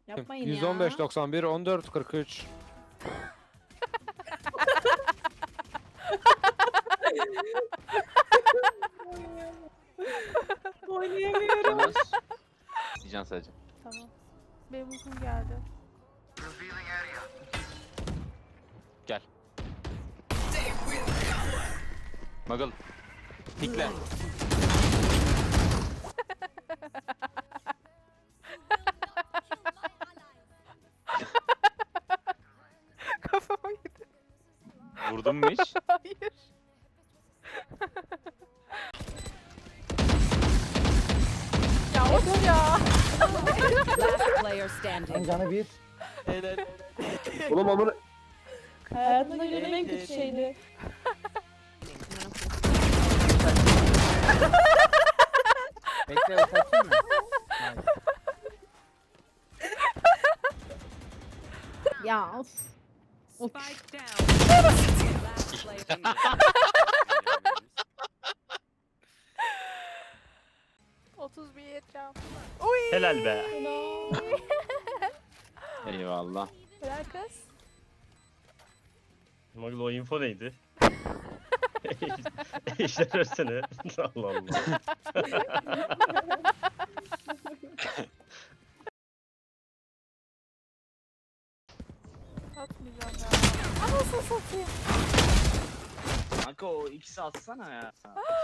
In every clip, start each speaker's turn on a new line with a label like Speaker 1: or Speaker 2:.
Speaker 1: Yapmayın ya.
Speaker 2: 115 91 14 43.
Speaker 1: Oynayamıyorum.
Speaker 3: Yalnız diyeceğim sadece.
Speaker 4: Tamam. Benim uykum geldi.
Speaker 3: Gel. Magal. Pikle.
Speaker 4: Kafama gitti.
Speaker 3: Vurdun mu hiç?
Speaker 4: Hayır. Ya of ya.
Speaker 5: Last player standing.
Speaker 6: Canı bir.
Speaker 7: Helal.
Speaker 6: Oğlum amına.
Speaker 1: Hayatımda gördüğüm en kötü şeydi.
Speaker 6: Bekle bakayım mı?
Speaker 1: Ya of.
Speaker 5: Spike down. Last player standing.
Speaker 4: Otuz bir yeteceğim. Uy.
Speaker 7: Helal be.
Speaker 3: Eyvallah.
Speaker 4: Helal kız.
Speaker 7: Magıl o info neydi? İşler versene. Allah Allah.
Speaker 4: Atmayacağım ya. Anasını satayım.
Speaker 8: Kanka o ikisi atsana ya.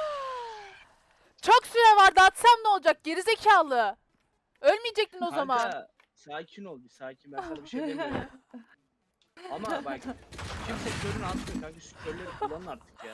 Speaker 4: Çok süre vardı, atsam ne olacak gerizekalı. Ölmeyecektin o zaman.
Speaker 8: Kanka sakin ol bir sakin, ben sana bir şey demiyorum. Ama bak kimse körünü atmıyor kanka, şu körleri kullanın artık ya.